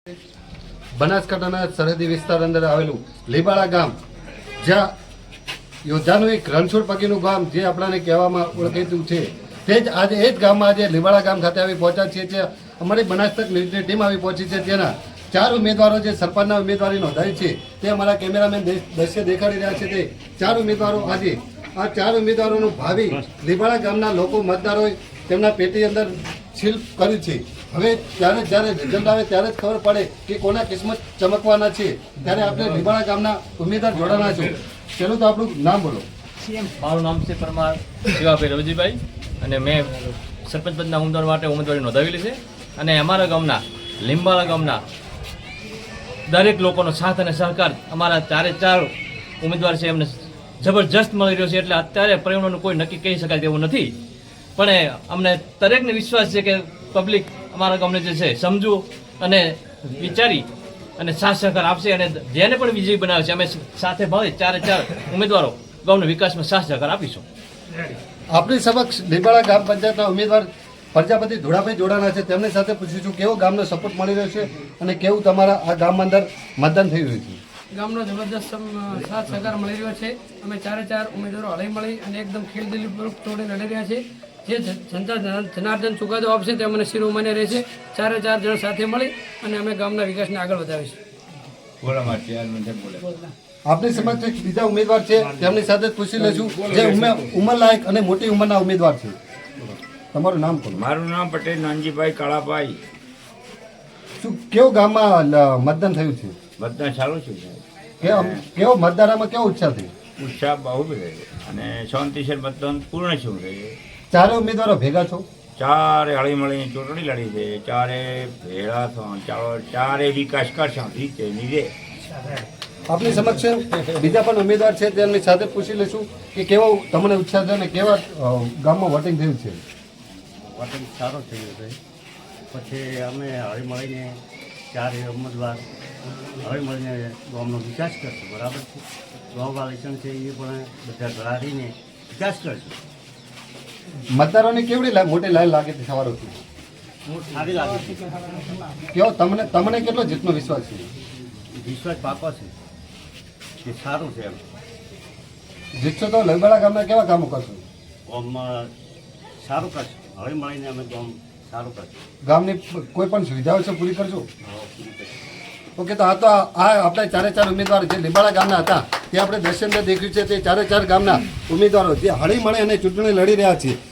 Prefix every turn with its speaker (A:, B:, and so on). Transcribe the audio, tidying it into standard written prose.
A: બનાસકાંઠાના સરહદી વિસ્તાર અંદર આવેલું લીબાળા ગામ, જ્યાં યોદ્ધાનું એક રણછોડ પગીનું ગામ જે આપણાને કહેવામાં ઓળખાતું છે, તે જ આજે એ જ ગામમાં આજે લીબાળા ગામ ખાતે આવી પહોંચ્યા છીએ. જે અમારી બનાસ તક ન્યૂઝની ટીમ આવી પહોંચી છે, તેના 4 ઉમેદવારો જે સરપંચના ઉમેદવારી નોંધાવી છે તે અમારા કેમેરામેન દ્રશ્ય દેખાડી રહ્યા છે. તે 4 ઉમેદવારો આજે આ 4 ઉમેદવારોનું ભાવિ લીબાળા ગામના લોકો મતદારોએ તેમના પેટી અંદર સીલ કર્યું છે. હવે જ્યારે રિઝલ્ટ આવે ત્યારે જ ખબર પડે કે કોના કિસ્મત ચમકવાના છે. ત્યારે આપણે લીબાળા ગામના ઉમેદવાર જોડાના છો. પેલું તો આપણું નામ બોલો.
B: મારું નામ છે પરમાર શિવાભાઈ રવજીભાઈ અને મેં સરપંચ પદના ઉમેદવાર માટે ઉમેદવારી નોંધાવેલી છે. અને અમારા ગામના લીંબાળા ગામના દરેક લોકોનો સાથ અને સહકાર અમારા 4 ઉમેદવાર છે એમને જબરજસ્ત મળી રહ્યો છે. એટલે અત્યારે પરિણામનું કોઈ નક્કી કહી શકાય તેવું નથી, પણ અમને દરેકને વિશ્વાસ છે કે પબ્લિક અમારા ગામને જે છે સમજવું અને વિચારી અને સાથ સહકાર આપશે. અને જેને પણ વિજયી બનાવે છે અમે સાથે ભાવે 4 ઉમેદવારો ગામના વિકાસમાં સાથ સહકાર આપીશું.
A: આપણી સમક્ષ લીબાળા ગ્રામ પંચાયતના ઉમેદવાર પ્રજાપતિ ધોળાભાઈ જોડાના છે. તેમની સાથે પૂછીશું કેવો ગામનો સપોર્ટ મળી રહ્યો છે અને કેવું તમારા આ ગામમાં અંદર મતદાન થઈ રહ્યું છે.
C: ગામનો જબરદસ્ત સાથ સહકાર મળી રહ્યો છે. અમે 4 ઉમેદવારો હળી મળી અને એકદમ ખેલદિલીપૂર્વક તોડી લડી રહ્યા છે. જે જનતા જનાર્દન ચુકાદો આપશે તે મને શિરોમાન્ય રહેશે. 4 જણ સાથે મળી અને અમે ગામના વિકાસને આગળ વધાવીશું.
A: આપની સમક્ષ એક બીજા ઉમેદવાર છે, તેમની સાથે જ પૂછી લઈશું જે ઉંમરલાયક અને મોટી ઉંમરના ઉમેદવાર છે. તમારું નામ બોલો.
D: મારું નામ પટેલ નાનજીભાઈ કાળાભાઈ.
A: શું કેવો ગામમાં મતદાન થયું છે?
D: મતદાન સારું છે.
A: કેવો મતદારોમાં કેવો ઉત્સાહ થયો?
D: ઉત્સાહ બહુ બધો છે અને શાંતિસર મતદાન પૂર્ણ શું છે.
A: 4 ઉમેદવારો ભેગા છો?
D: 4 હળી મળીને ચૂંટણી લડી છે. 4 ભેળા થો, 4 વિકાસ કરશે રીતે નીરે.
A: આપની સમક્ષ બીજા પણ ઉમેદવાર છે, તેમની સાથે પૂછી લઈશું કે કેવો તમને ઉત્સાહ છે અને કેવા ગામમાં વોટિંગ થયું છે.
E: વોટિંગ સારો થયો છે. પછી અમે હળી મળીને 4 ઉમેદવાર હળી મળીને ગામનો વિકાસ કરશું. બરાબર છે. ગામવાળા ઇલેક્શન છે એ પણ બધા ઘડાડીને વિકાસ કરશું.
A: મતદારોની કેવડી મોટી લાઈન લાગે છે સવારોથી?
E: હું સારી લાગે છે.
A: કેવો તમને કેટલો જીતનો વિશ્વાસ છે?
E: વિશ્વાસ પાકો છે કે સારું છે. એમ
A: જીતશો તો લીબાળા ગામના કેવા કામો કરશો?
E: ગામમાં સારું કરશું. હળી મળીને અમે ગામ સારું કરશું.
A: ગામની કોઈ પણ સુવિધાઓ છે પૂરી કરજો. ઓકે, તો આ આપણે 4 ઉમેદવાર જે લીબાળા ગામના હતા તે આપણે દર્શન દેખ્યું છે. તે 4 ગામના ઉમેદવારો જે હળી મળે અને ચૂંટણી લડી રહ્યા છે.